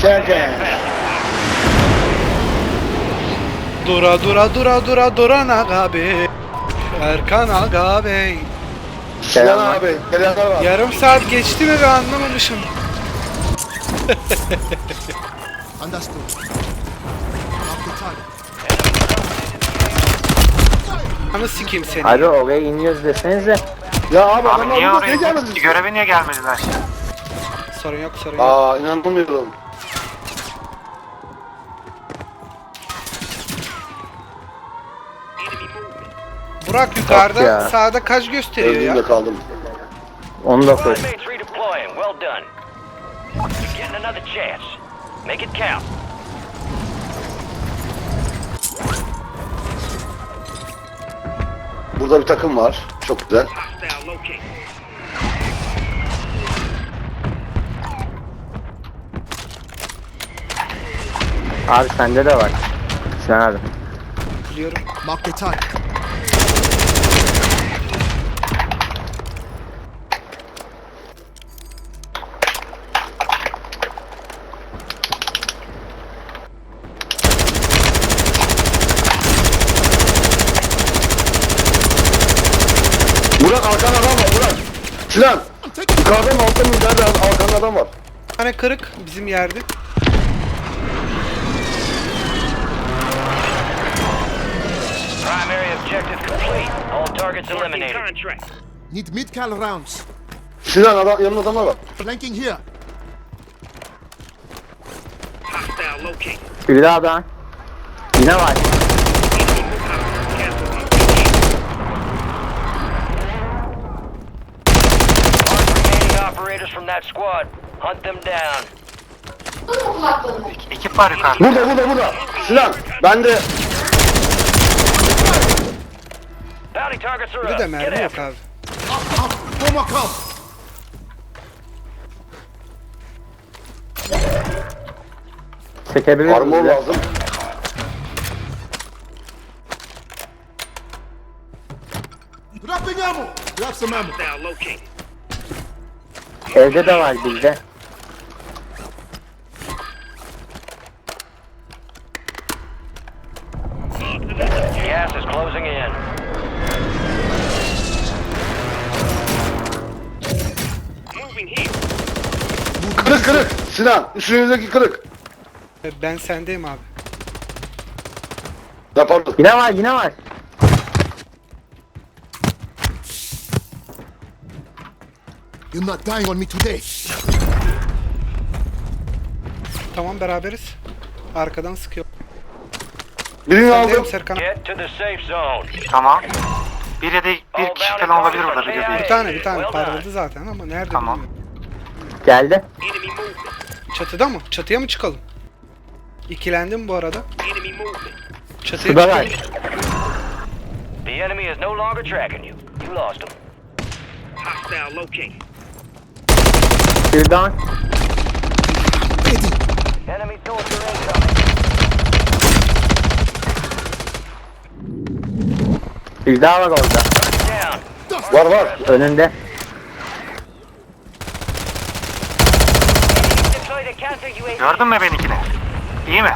Serkan. Duran Aga Bey. Erkan Aga Bey. Sinan abi. Selamlar var. Yarım saat geçti mi ben anlamamışım. Understood. Mark the target. Anı sikeyim seni. Abi oraya iniyoruz desenize. Ya abi Abi adamlar niye burada oraya ne gelmedi? görevi niye gelmediler? Sorun yok sorun yok. Aa inanamıyorum. Burak yukarıda ya. sağda kaç gösteriyor Öldüğümde ya? kaldım. 19. Squad mates redeploying. Well done. You're getting another chance. Make it count. Burada bir takım var. Çok güzel. Hostile locate. Abi sende de var. Sen abi. Biliyorum. Mark the target. Burak arkanda adam var Burak. Sinan. Yukarıda mı altta mı? Nerede arkanda adam var? Bir tane kırık bizim yerde. Primary objective complete. All targets eliminated. Need mid-cal rounds. Sinan adam, yanında adamlar var. Flanking here. Hostile locate. Bir daha da. Yine var. Remaining operators from that squad. Hunt them down. Ekip var yukarıda. Burada. Sinan. Ben de Bounty targets are Bir up. de Get mermi yok after abi. No more come. Çekebilir armor miyiz? lazım. Dropping ammo. Grab some ammo. Hostile locate. Evde de var bizde. Gas is closing in. Moving here. Kırık. Sinan. Üstünüzdeki kırık. Ben sendeyim abi. Ya pardon. Yine var. You're not dying on me today. Tamam beraberiz. Arkadan sıkıyor. Birini Sendeyim aldım. Serkan. Get to the safe zone. Tamam. Bir ya da bir All kişi bounty falan olabilir targets burada are bir KIA. de Bir tane Well done. parladı zaten ama nerede Tamam. bilmiyorum. Geldi. Enemy movement. Çatıda mı? Çatıya mı çıkalım? İkilendim bu arada. Enemy movement. Çatıya Şurada var. çıkalım. The enemy is no longer tracking you. You lost them. Hostile locate. Bir daha. Enemy soldier incoming. Bir daha var orada. Down. Var. Önünde. Deploy the counter UAV. Gördün mü benimkini? İyi mi?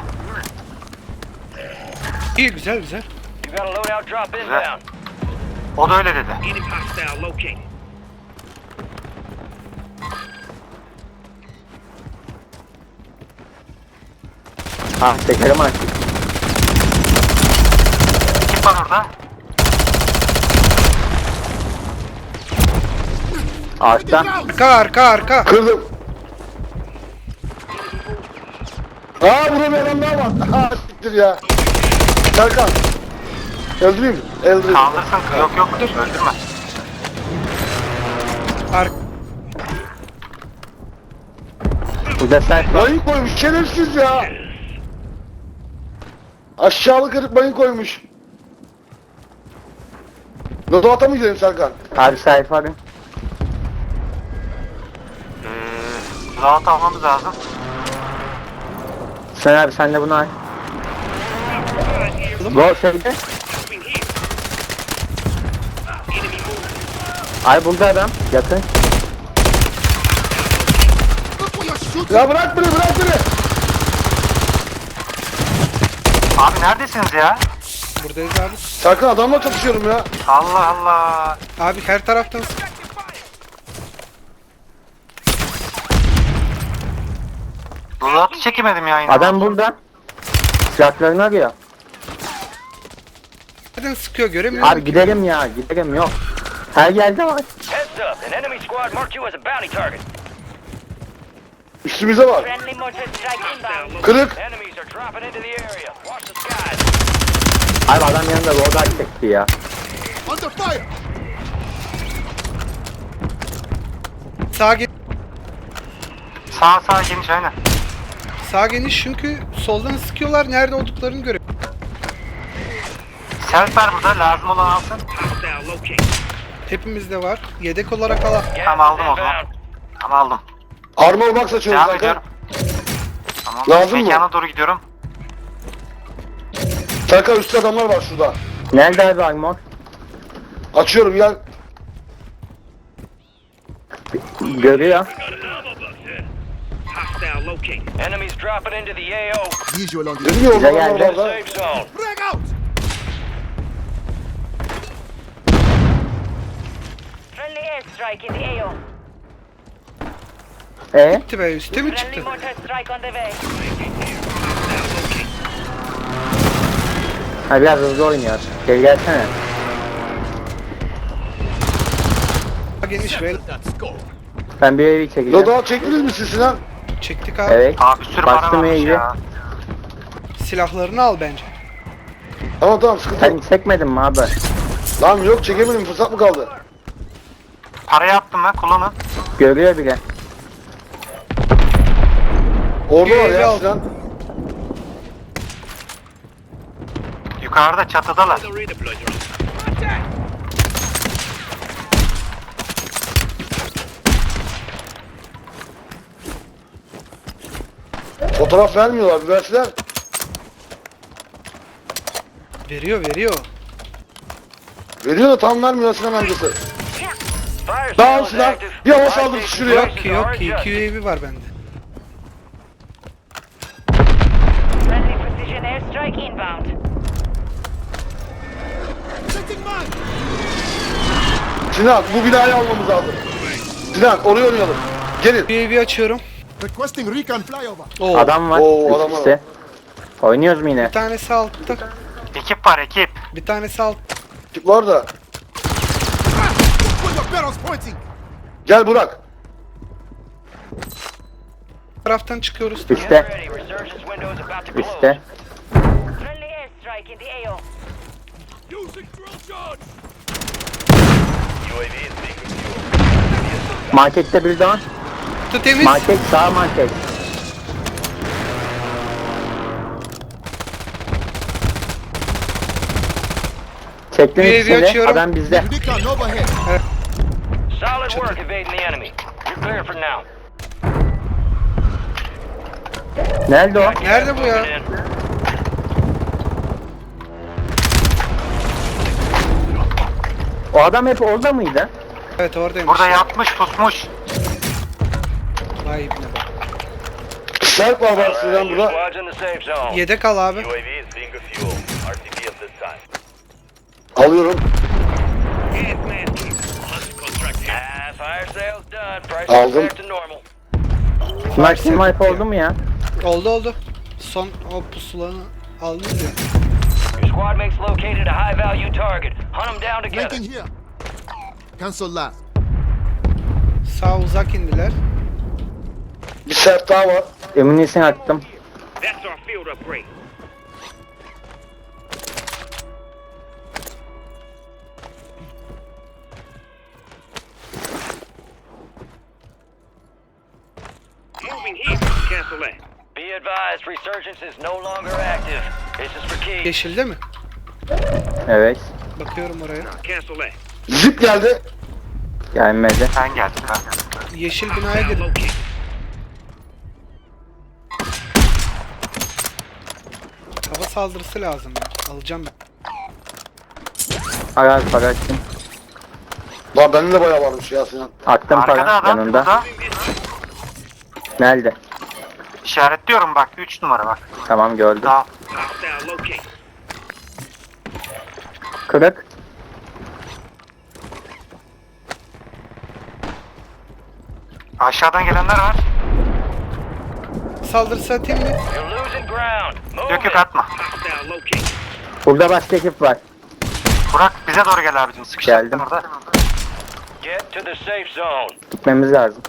İyi güzel. You got a loadout drop inbound. O da öyle dedi. Enemy hostile locate. Ha çekerim artık. Ekip var orada. Ağaçta. Arka. Kırdım. Burada bir adam daha var. Siktir ya. Serkan. Öldüreyim. Kaldırsın. Yok öldürme. Ar Bu da sen. Mayın koymuş. Şerefsiz ya. Aşağılık herif mayın koymuş. Lodovat'a mı gidelim Serkan? Abi sayfa arayın. Rahat almamız lazım. Sen abi sen de bunu al. Bu şeyde. Ay buldu adam. Yakın. Look where you're shooting. Ya bırak beni. Abi neredesiniz ya? Buradayız abi. Serkan adamla çatışıyorum ya. Allah Allah. Abi her taraftan Loadout'u çekemedim ya yine. Adam burada. Silahlarını arıyor. nereden sıkıyor göremiyorum. Abi gidelim ya, gidelim yok. Her yerde var. Heads up, an enemy squad marked you as a bounty target. Üstümüze var. Friendly mortar strike inbound. Kırık. Enemies are dropping into the area. Watch the skies. Abi adam yanında roda çekti ya. Under fire. Sağ geniş. Sağ geniş aynen. Sağ geniş çünkü soldan sıkıyorlar. Nerede olduklarını görüyorum. Self var burada, lazım olan alsın. Hepimizde var. Yedek olarak al. Tamam aldım o zaman. Tamam aldım. Armor box açıyoruz Devam Serkan. ediyorum. Tamam. Lazım mı? Mekana doğru gidiyorum. Serkan üstte adamlar var şurada. Nerede abi armor? Açıyorum gel. Görüyor. Enemies dropping into the AO. Visual on the Dedim ya Bize orada adamlar geldi. var da. Safe zone. Frag out. Friendly airstrike in the AO. Gitti be üste mi Friendly çıktı? mortar strike on the way. Ha biraz hızlı oynuyor. Gel gelsene. Sağ geniş ve Ben bir evi çekeceğim. Loadout çektiniz mi siz Sinan? çektik abi. Evet. Abi bir sürü para Bastım varmış evi. ya. Silahlarını al bence. Tamam sıkıntı Sen yok. çekmedin mi abi? Lan yok çekemedim fırsat mı kaldı? Parayı attım ben, kullanın. Görüyor bile. Orada var Evi ya al. Sinan. Yukarıda çatıdalar. Fotoğraf vermiyorlar bir versinler. Veriyor. Veriyor da tam vermiyor Sinan amcası. Fire Tamam sale is Sinan. active. Bir hava saldırısı şuraya. Yok ki 2 UAV var bende. Friendly precision airstrike inbound. Setting mine. Sinan bu binayı almamız lazım. Sinan oraya oynayalım. Gelin. UAV açıyorum. Requesting recon flyover. Oo, Adam var. Oo, adam üst var. üste. Oynuyoruz mu yine? bir tanesi altta. Ekip var, ekip. Bir tanesi alt. Tip var da. Put your barrels pointing. Gel Burak. Taraftan çıkıyoruz. Üste. Get ready. Resurgence window is about to close. Üste. Friendly airstrike in the AO. Markette bir daha. Kutu temiz. Market sağ market. Çektim UAV ikisini. açıyorum. Adam bizde. Recon overhead. Solid work evading the enemy. You're clear for now. Nerede o? Nerede bu ya? Moving in. O adam hep orada mıydı? Evet oradaymış. Burada yatmış, pusmuş. Vay ibne bak. Serp var var Sinan Your burada. squad's in the safe zone. Yedek al abi. Alıyorum. Fire sale's done. Price is Aldım. back to normal. Snipe oldu mu ya? Oldu. Son o pusulanı aldın ya. Your squad mates located a high value target. Hunt them down together. Flanking here. Cancel last. Sağ uzak indiler. Bir serp daha var. Eminisini attım. That's our field upgrade. Moving here. Cancel that. Be advised, resurgence is no longer active. This is for keys. Yeşilde mi? Evet. Bakıyorum oraya. Cancel that. Zip geldi. Gelmedi. Sen geldin ha. Yeşil binaya gir. Hava saldırısı lazım ya. Alacağım ben. Para para attım. Lan bende de bayağı varmış ya Sinan. Attım Arkada para adam yanında. burada. Nerede? İşaretliyorum bak 3 numara bak. Tamam gördüm. Daha Kırık. aşağıdan gelenler var. Saldırısı atayım mı? You're losing ground. Move Yok yok it. atma. Burada başka ekip var. Burak bize doğru gel abicim. Sıkıştırdın Geldim. orada. Get to the safe zone. Gitmemiz lazım.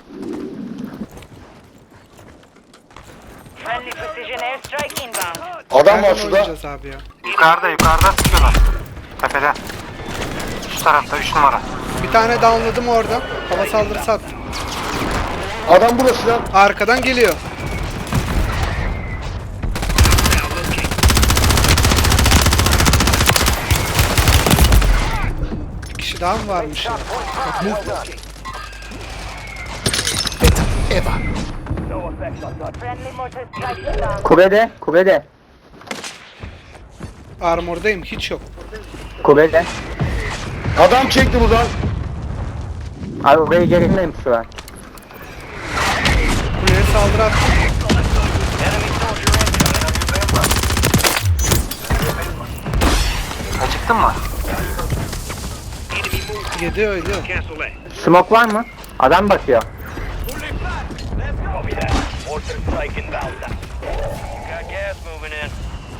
Friendly precision airstrike inbound. Adam var Nereden şurada. oynayacağız abi ya? Yukarıda sıkıyorlar. Tepede. Şu tarafta 3 numara. Bir tane downladım orada. Hava saldırısı attım. Adam burada Sinan. Arkadan geliyor. Bir kişi daha mı varmış ya? Friendly mortar strike inbound. Kulede. Kulede. Armordayım, hiç yok. Kulede. Adam çekti buradan. Abi oraya gerilmeyim şu an. Kuleye saldırı attım. Enemy soldier incoming. Acıktın mı? Yedi öyle. Smoke var mı? Adam bakıyor. Copy that. Mortar strike inbound. Got gas moving in.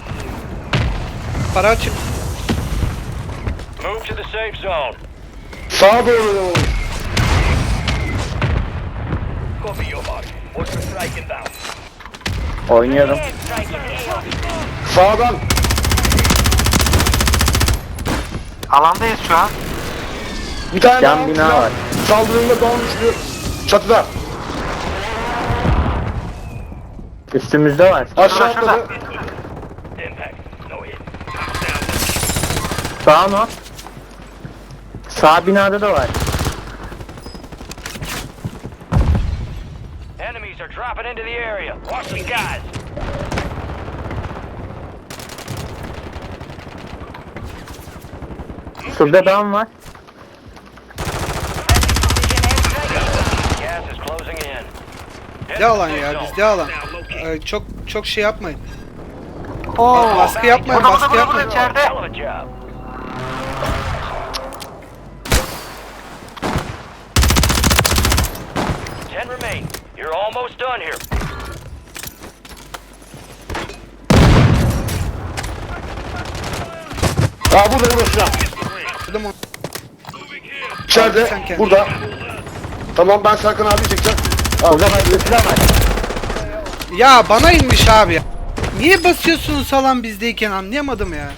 Para açık. Move to the safe zone. Sağa doğru. Copy your mark. Mortar strike inbound. Oynuyorum. Airstrike in the AO. Sağdan. Alandayız şu an. Bir tane Cam daha bina Sinan. var. Saldırında dolmuştu. Çatıda. Üstümüzde var. Aşağı Şurada, atladı. Impact. No hit. Sağ mı? Sağ binada da var. Enemies are dropping into the area. Watch the skies. Şurada dam var. Gas is closing in. Head Ne to alan the safe ya, zone. bizde alan. Çok şey yapmayın. Baskı yapmayın, Burada baskı burada yapmayın. içeride. Hell of a job. Ten remain. You're almost done here. Aa burada Sinan. Dedim onu. İçeride. Sen kendin. Burada. Tamam ben Serkan abi çekeceğim. Burada başka silah var. Ya bana inmiş abi ya. Niye basıyorsunuz alan bizdeyken anlayamadım ya.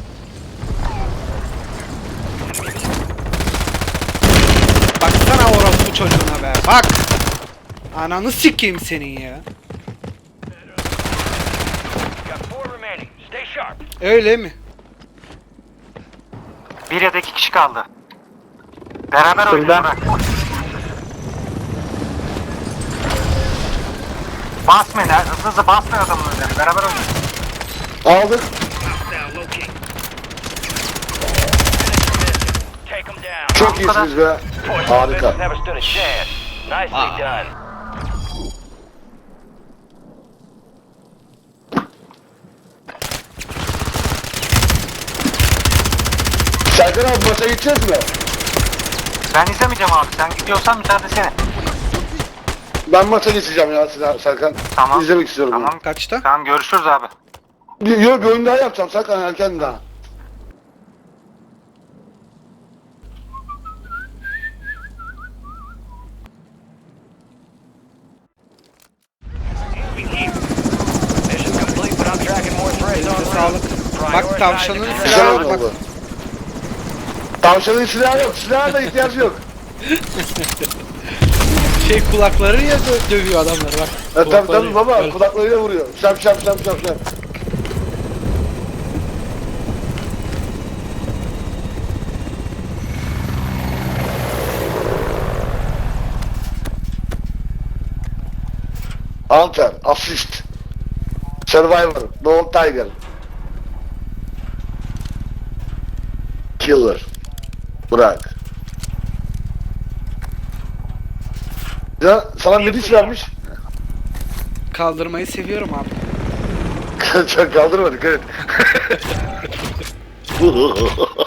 Baksana orospu çocuğuna be. Bak. Ananı sikeyim senin ya. Got 4 remaining. Stay sharp. Öyle mi? Bir ya da 2 kişi kaldı. Beraber oynayın Şurada. Burak. Basmayın ha. Hızlı hızlı basmayın adamın üzerine. Beraber oynayın. Aldık. Take them down. Çok iyisiniz be. Harika. Never stood a chance. Nicely done. Serkan abi maça gideceğiz mi? Ben izlemeyeceğim abi. Sen gidiyorsan müsaade senin. Ben maça geçeceğim ya Serkan. Tamam. İzlemek istiyorum. Tamam. Kaçta? Tamam görüşürüz abi. Yok bir oyun daha yapacağım Serkan erken daha. Mission complete, but I'm tracking more threats on Sağlık. Bak tavşanın Güzel silahı oyun bak. oldu. Tavşanın silahı yok. Silahına da ihtiyacı yok. Şey kulakları ya dövüyor adamları bak. Tabii tabii baba Böyle. kulaklarıyla vuruyor. Şap şap şap şap şap. Hunter, assist. Survivor, Dog Tiger. Killer. Bırak. Ya sana medis vermiş. Kaldırmayı seviyorum abi. Çok kaldırma dikkat et.